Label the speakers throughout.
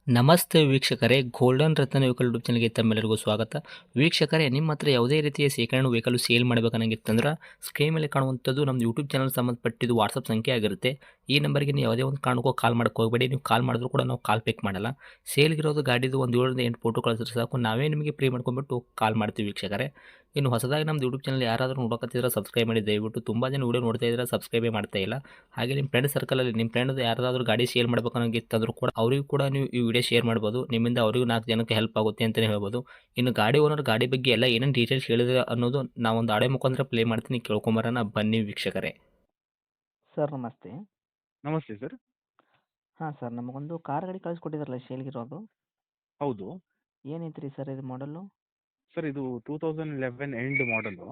Speaker 1: ನಮಸ್ತೆ ವೀಕ್ಷಕರೇ, ಗೋಲ್ಡನ್ ರತ್ನ vehicle YouTube ಚಾನಲ್‌ಗೆ ತಮ್ಮೆಲ್ಲರಿಗೂ ಸ್ವಾಗತ. ವೀಕ್ಷಕರೇ, ನಿಮ್ಮ ಹತ್ರ ಯಾವುದೇ ರೀತಿಯ ಶೇಖರಣೆ ವೆಹಿಕಲ್ ಸೇಲ್ ಮಾಡಬೇಕನ್ನಂಗಿತ್ತಂದ್ರೆ ಸ್ಕ್ರೀನ್ ಮೇಲೆ ಕಾಣುವಂಥದ್ದು ನಮ್ಮ ಯೂಟ್ಯೂಬ್ ಚಾನಲ್ ಸಂಬಂಧಪಟ್ಟಿದ್ದು ವಾಟ್ಸಪ್ ಸಂಖ್ಯೆ ಆಗಿರುತ್ತೆ. ಈ ನಂಬರ್‌ಗೆ ನೀವು ಯಾವುದೇ ಒಂದು ಕಾರಣಕ್ಕೂ ಕಾಲ್ ಮಾಡಕ್ಕೆ ಹೋಗಬೇಡಿ. ನೀವು ಕಾಲ್ ಮಾಡಿದ್ರು ಕೂಡ ನಾವು ಕಾಲ್ ಪಿಕ್ ಮಾಡಲ್ಲ. ಸೇಲ್ಗಿರೋದು ಗಾಡಿದು ಒಂದು 7ರಿಂದ 8 ಫೋಟೋ ಕಳಿಸಿದ್ರೆ ಸಾಕು, ನಾವೇ ನಿಮಗೆ ಪ್ರೀ ಮಾಡ್ಕೊಂಡ್ಬಿಟ್ಟು ಕಾಲ್ ಮಾಡ್ತೀವಿ ವೀಕ್ಷಕರೇ. ಇನ್ನು ಹೊಸದಾಗಿ ನಮ್ಮದು ಯೂಟ್ಯೂಬ್ ಚಾನಲ್ ಯಾರಾದರೂ ನೋಡಕತ್ತಿದ್ರೆ ಸಬ್ಸ್ಕ್ರೈಬ್ ಮಾಡಿ ದಯವಿಟ್ಟು. ತುಂಬ ಜನ ವಿಡಿಯೋ ನೋಡ್ತಾ ಇದ್ದಾರೆ, ಸಬ್ಸ್ಕ್ರೈಬೇ ಮಾಡ್ತಾ ಇಲ್ಲ. ಹಾಗೆ ನಿಮ್ಮ ಫ್ರೆಂಡ್ ಸರ್ಕಲಲ್ಲಿ ನಿಮ್ಮ ಫ್ರೆಂಡ್ ಯಾರಾದರೂ ಗಾಡಿ ಸೇಲ್ ಮಾಡ್ಬೇಕನ್ನೋಂಗಿತ್ತಂದ್ರೂ ಕೂಡ ಅವರಿಗೂ ಕೂಡ ನೀವು ಈ ವಿಡಿಯೋ ಶೇರ್ ಮಾಡ್ಬೋದು. ನಿಮ್ಮಿಂದ ಅವರಿಗೂ 4 ಜನಕ್ಕೆ ಹೆಲ್ಪ್ ಆಗುತ್ತೆ ಅಂತಲೇ ಹೇಳ್ಬೋದು. ಇನ್ನು ಗಾಡಿ ಓನರ್ ಗಾಡಿ ಬಗ್ಗೆ ಎಲ್ಲ ಏನೇನು ಡೀಟೇಲ್ಸ್ ಹೇಳಿದ್ರೆ ಅನ್ನೋದು ನಾವೊಂದು ಆಡಿಯೋ ಮುಖಾಂತರ ಪ್ಲೇ ಮಾಡ್ತೀನಿ, ಕೇಳ್ಕೊಂಬರೋಣ ಬನ್ನಿ ವೀಕ್ಷಕರೇ.
Speaker 2: ಸರ್ ನಮಸ್ತೆ.
Speaker 3: ನಮಸ್ತೆ ಸರ್.
Speaker 2: ಹಾಂ ಸರ್, ನಮಗೊಂದು ಕಾರ್ ಗಾಡಿ ಕಳಿಸ್ಕೊಟ್ಟಿದ್ರಲ್ಲ ಸೇಲ್ಗಿರೋದು.
Speaker 3: ಹೌದು.
Speaker 2: ಏನೈತ್ರಿ ಸರ್ ಇದು ಮಾಡಲು?
Speaker 3: ಸರ್ ಇದು 2011 ಎಂಡ್ ಮಾಡಲು.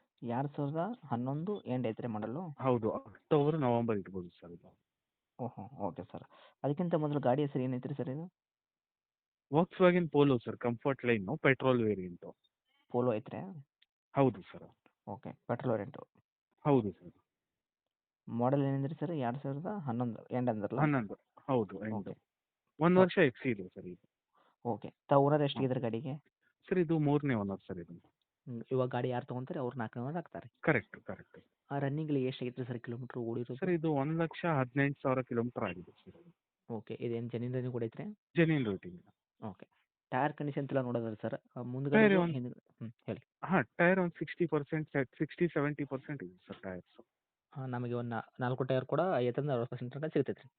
Speaker 2: 2011 ಎಂಡ್ ಐತ್ರಿ ಮಾಡಲು?
Speaker 3: ಹೌದು. ಅಕ್ಟೋಬರ್, ನವೆಂಬರ್ ಇರ್ಬೋದು ಸರ್ ಇದು.
Speaker 2: ಓಹೋ, ಓಕೆ ಸರ್. ಅದಕ್ಕಿಂತ ಮೊದಲು ಗಾಡಿ ಹೆಸರು ಏನೈತ್ರಿ ಸರ್ ಇದು?
Speaker 3: Volkswagen Polo sir, comfort line, petrol variant.
Speaker 2: Polo ಐತ್ರಿ?
Speaker 3: ಹೌದು ಸರ್.
Speaker 2: Okay, petrol variant.
Speaker 3: ಹೌದು ಸರ್.
Speaker 2: ಮಾಡಲ್ ಏನಂದ್ರಿ ಸರ್? 2011 ಎಂಡ್ ಅಂದ್ರಲ್ಲ?
Speaker 3: 11. ಹೌದು, ಎಂಡು.
Speaker 2: ಓಕೆ.
Speaker 3: 1 ವರ್ಷ ಎಕ್ಸಿ ಇದೆ ಸರ್ ಇದು.
Speaker 2: ಓಕೆ. ತಾವು ಓನರ್ ಎಷ್ಟಿಗಿದ್ರೆ ಗಾಡಿಗೆ?
Speaker 3: ಸರ್ ಇದು 3ನೇ ಓನರ್ ಸರ್ ಇದು.
Speaker 2: ಇವಾಗ ಗಾಡಿ ಯಾರು ತೊಗೊಂತಾರೆ ಅವ್ರು 4ನೇ ಓನರ್ ಆಗ್ತಾರೆ.
Speaker 3: Correct, correct.
Speaker 2: ಆ ರನ್ನಿಂಗ್ಲಿ ಎಷ್ಟಾಗೈತ್ರಿ ಸರ್ ಕಿಲೋಮೀಟ್ರ್ ಓಡಿರೋದು?
Speaker 3: ಸರ್ ಇದು 1,18,000 ಕಿಲೋಮೀಟರ್ ಆಗಿದೆ ಸರ್.
Speaker 2: ಓಕೆ, ಇದೇನು ಜೆನ್ಯೂನ್ ರನ್ನಿಂಗ್ ಕೂಡ ಐತ್ರಿ?
Speaker 3: Genuine rating.
Speaker 2: Okay. Tyre condition ಎಲ್ಲ ನೋಡೋದಲ್ಲ ಸರ್?
Speaker 3: ಟೈರ್
Speaker 2: ಮುಂದ್ಗಡೆ
Speaker 3: ಒಂದು
Speaker 2: ಹೇಳಿ.
Speaker 3: ಟೈರ್ ಒಂದು 60%, 60-70% ಇದೆ ಸರ್ ಟೈರ್ಸ್.
Speaker 2: ನಮಗೆ ಒಂದು 4 ಟೈರ್ ಕೂಡ 50-60% ತನಕ ಸಿಗ್ತೈತೆ ರೀ.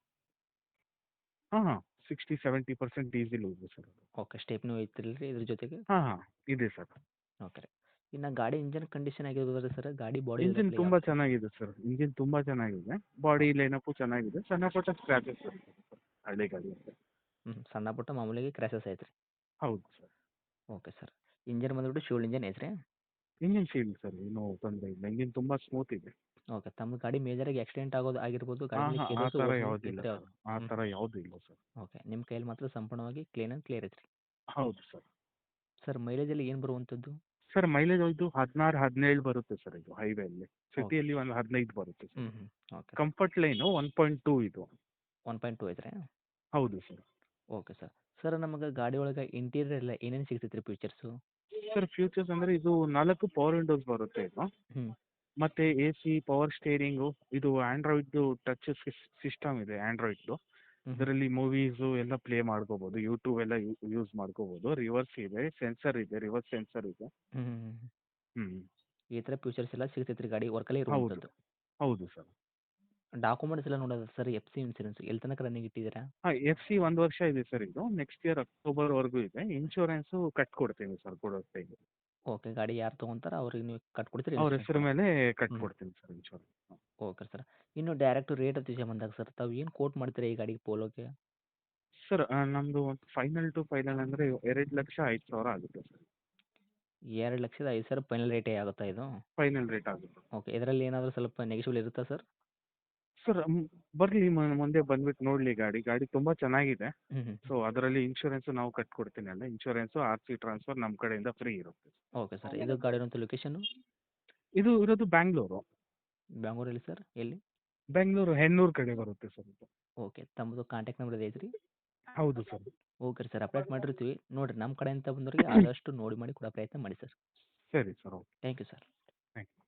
Speaker 3: ಹಾಂ, 60-70% ಈಸಿಲಿ ಇದೆ ಸರ್ ಅದು.
Speaker 2: ಓಕೆ, ಸ್ಟೆಪ್ನೂ ಐತಿಲ್ರಿ ಇದ್ರ ಜೊತೆಗೆ?
Speaker 3: ಹಾಂ, ಇದೆ ಸರ್.
Speaker 2: ಓಕೆ ರೀ. ಇನ್ನು ಗಾಡಿ ಇಂಜನ್ ಕಂಡೀಷನ್ ಆಗಿರ್ಬೋದ್ರಿ ಸರ್? ಗಾಡಿ ಬಾಡಿ
Speaker 3: ಇಂಜಿನ್ ತುಂಬಾ ಚೆನ್ನಾಗಿದೆ ಸರ್. ಇಂಜಿನ್ ತುಂಬಾ ಚೆನ್ನಾಗಿದೆ. ಬಾಡಿ ಲೈನಪ್ಪು ಚೆನ್ನಾಗಿದೆ. ಸಣ್ಣ ಪುಟ್ಟ ಸ್ಕ್ರಾಚಸ್ ಬರುತ್ತೆ ಸರ್ ಹಳೆ ಗಾಡಿ ಅಂತ.
Speaker 2: ಸಣ್ಣ ಪುಟ್ಟ ಮಾಮೂಲಿಗೆ ಕ್ರ್ಯಾಶಸ್ ಐತ್ರಿ.
Speaker 3: ಹೌದು ಸರ್.
Speaker 2: Okay sir. ಇಂಜನ್ ಬಂದ್ಬಿಟ್ಟು ಫ್ಯೂಲ್ ಇಂಜನ್ ಐತ್ರಿ?
Speaker 3: ಇಂಜಿನ್ ಶೀಲ್ಡ್ ಸರ್, ಏನೂ ತೊಂದರೆ ಇಲ್ಲ. ಇಂಜಿನ್ ತುಂಬಾ ಸ್ಮೂತ್ ಇದೆ.
Speaker 2: ಓಕೆ. ತಮ್ಮ ಗಾಡಿ ಮೇಜರಾಗಿ ಆಕ್ಸಿಡೆಂಟ್ ಆಗೋದು ಆಗಿರ್ಬೋದು,
Speaker 3: ಹಾಂ
Speaker 2: ಗಾಡಿ
Speaker 3: ಹಾಂ, ಆ
Speaker 2: ಕೇಸಸ್
Speaker 3: ಥರ
Speaker 2: ಓಡಿಸೋದು ಈ
Speaker 3: ಯಾವುದಿಲ್ಲ
Speaker 2: ಥರ
Speaker 3: ಸರ್. ಆ ಥರ ಯಾವುದೂ ಇಲ್ಲ ಸರ್.
Speaker 2: ಓಕೆ. ನಿಮ್ಮ ಕೈಯಲ್ಲಿ ಮಾತ್ರ ಸಂಪೂರ್ಣವಾಗಿ ಕ್ಲೀನ್ ಆ್ಯಂಡ್ ಕ್ಲಿಯರ್ ಐತ್ರಿ.
Speaker 3: ಹೌದು ಸರ್.
Speaker 2: ಸರ್ ಮೈಲೇಜಲ್ಲಿ ಏನು ಬರುವಂಥದ್ದು?
Speaker 3: ಸರ್ ಮೈಲೇಜ್ ಇದು 16-17 ಬರುತ್ತೆ ಸರ್ ಇದು ಹೈವೇಯಲ್ಲಿ. ಸಿಟಿಯಲ್ಲಿ ಒಂದು 15 ಬರುತ್ತೆ ಸರ್.
Speaker 2: ಓಕೆ.
Speaker 3: ಕಂಫರ್ಟ್ ಲೈನು 1.2 ಇದು.
Speaker 2: 1.2 ಐತ್ರಿ?
Speaker 3: ಹೌದು ಸರ್.
Speaker 2: Okay sir. ಸರ್ ನಮಗೆ ಗಾಡಿ ಒಳಗೆ ಇಂಟೀರಿಯರ್ ಎಲ್ಲ ಏನೇನು ಸಿಗ್ತೈತೆ ರೀ ಫೀಚರ್ಸು?
Speaker 3: ಸರ್ ಫ್ಯೂಚರ್ಸ್ ಅಂದರೆ ಇದು 4 ಪವರ್ ವಿಂಡೋಸ್ ಬರುತ್ತೆ ಇದು.
Speaker 2: ಹ್ಞೂ.
Speaker 3: ಮತ್ತೆ AC, ಪವರ್ ಸ್ಟೇರಿಂಗು, ಇದು ಆಂಡ್ರಾಯ್ಡ್ದು ಟಚ್ ಸಿಸ್ಟಮ್ ಇದೆ ಆಂಡ್ರಾಯ್ಡ್ದು. ಇದರಲ್ಲಿ ಮೂವೀಸು ಎಲ್ಲ ಪ್ಲೇ ಮಾಡ್ಕೋಬೋದು, ಯೂಟ್ಯೂಬ್ ಎಲ್ಲ ಯೂಸ್ ಮಾಡ್ಕೋಬೋದು. ರಿವರ್ಸ್ ಇದೆ, ಸೆನ್ಸರ್ ಇದೆ, ರಿವರ್ಸ್ ಸೆನ್ಸರ್ ಇದೆ. ಹ್ಞೂ.
Speaker 2: ಈ ಥರ ಫೀಚರ್ಸ್ ಎಲ್ಲ ಸಿಗ್ತೈತೆ ರೀ ಗಾಡಿ ವರ್ಕಲ್ಲೇ
Speaker 3: ಹೌದು,
Speaker 2: ಇರುವಂಥದ್ದು.
Speaker 3: ಹೌದು ಸರ್.
Speaker 2: ಡಾಕ್ಯುಮೆಂಟ್ಸ್ ಎಲ್ಲ ನೋಡೋದು ಸರ್, FC ಇನ್ಸೂರೆನ್ಸ್ ಎಲ್ಲಿ ತನಕ ರನ್ನಿಂಗ್ ಇಟ್ಟಿದ್ದೀರಾ?
Speaker 3: FC 1 ವರ್ಷ ಇದೆ ಸರ್ ಇದು. ನೆಕ್ಸ್ಟ್ ಇಯರ್ ಅಕ್ಟೋಬರ್ವರೆಗೂ ಇದೆ. ಇನ್ಶೂರೆನ್ಸು ಕಟ್ಕೊಡ್ತೀನಿ ಸರ್ ಕೊಡೋ ಟೈಮಿಗೆ.
Speaker 2: ಓಕೆ. ಗಾಡಿ ಯಾರು ತೊಗೊಂತಾರೋ ಅವ್ರಿಗೆ ನೀವು ಕಟ್ಕೊಡ್ತೀರಿ
Speaker 3: ಅವ್ರ
Speaker 2: ಇನ್ಸೂರೆನ್ಸ್?
Speaker 3: ಹೆಸರು ಮೇಲೆ ಕಟ್ಕೊಡ್ತೀನಿ ಸರ್ ಇನ್ಶೂರೆನ್ಸ್.
Speaker 2: Okay sir. ಇನ್ನು ಡೈರೆಕ್ಟ್ ರೇಟ್ ವಿಷಯ ಬಂದಾಗ ಸರ್, ತಾವು ಏನು ಕೋಟ್ ಮಾಡ್ತೀರಾ ಈ ಗಾಡಿಗೆ ಪೋಲೋಗೆ?
Speaker 3: ಸರ್ ನಮ್ಮದು ಒಂದು ಫೈನಲ್ ಟು ಫೈನಲ್ ಅಂದರೆ 2,05,000 ಆಗುತ್ತೆ ಸರ್.
Speaker 2: 2,05,000 ಫೈನಲ್ ರೇಟೇ ಆಗುತ್ತಾ ಇದು?
Speaker 3: ಫೈನಲ್ ರೇಟ್ ಆಗುತ್ತೆ.
Speaker 2: ಓಕೆ. ಇದರಲ್ಲಿ ಏನಾದರೂ ಸ್ವಲ್ಪ ನೆಗೆಶಿಬಲ್ ಇರುತ್ತಾ ಸರ್?
Speaker 3: ಸರ್ ಬರಲಿ, ಮುಂದೆ ಬಂದ್ಬಿಟ್ಟು ನೋಡಲಿ ಗಾಡಿ. ಗಾಡಿ ತುಂಬ ಚೆನ್ನಾಗಿದೆ.
Speaker 2: ಹ್ಞೂ.
Speaker 3: ಸೊ ಅದರಲ್ಲಿ ಇನ್ಶೂರೆನ್ಸು ನಾವು ಕಟ್ಕೊಡ್ತೀನಿ ಅಲ್ಲ. ಇನ್ಶೂರೆನ್ಸು RC ಟ್ರಾನ್ಸ್ಫರ್ ನಮ್ಮ ಕಡೆಯಿಂದ ಫ್ರೀ ಇರುತ್ತೆ.
Speaker 2: Okay sir. ಇದು ಗಾಡಿ ಇರುವಂಥ ಲೊಕೇಶನ್ನು?
Speaker 3: ಇದು ಇರೋದು ಬ್ಯಾಂಗ್ಳೂರು.
Speaker 2: ಬೆಂಗಳೂರಲ್ಲಿ ಸರ್ ಎಲ್ಲಿ?
Speaker 3: ಬೆಂಗಳೂರು ಹೆಣ್ಣೂರು ಕಡೆ ಬರುತ್ತೆ ಸರ್ ಇದು.
Speaker 2: ಓಕೆ. ತಮ್ಮದು ಕಾಂಟ್ಯಾಕ್ಟ್ ನಂಬರ್ ಇದೆ ಐತ್ರಿ?
Speaker 3: ಹೌದು ಸರ್.
Speaker 2: ಓಕೆ ರೀ ಸರ್, ಅಪ್ಡೇಟ್ ಮಾಡಿರ್ತೀವಿ. ನೋಡಿರಿ ನಮ್ಮ ಕಡೆಯಿಂದ ಬಂದವರಿಗೆ ಆದಷ್ಟು ನೋಡಿ ಮಾಡಿ ಕೊಡೋ ಪ್ರಯತ್ನ ಮಾಡಿ ಸರ್.
Speaker 3: ಸರಿ sir, okay.
Speaker 2: Thank you sir.
Speaker 3: Thank you.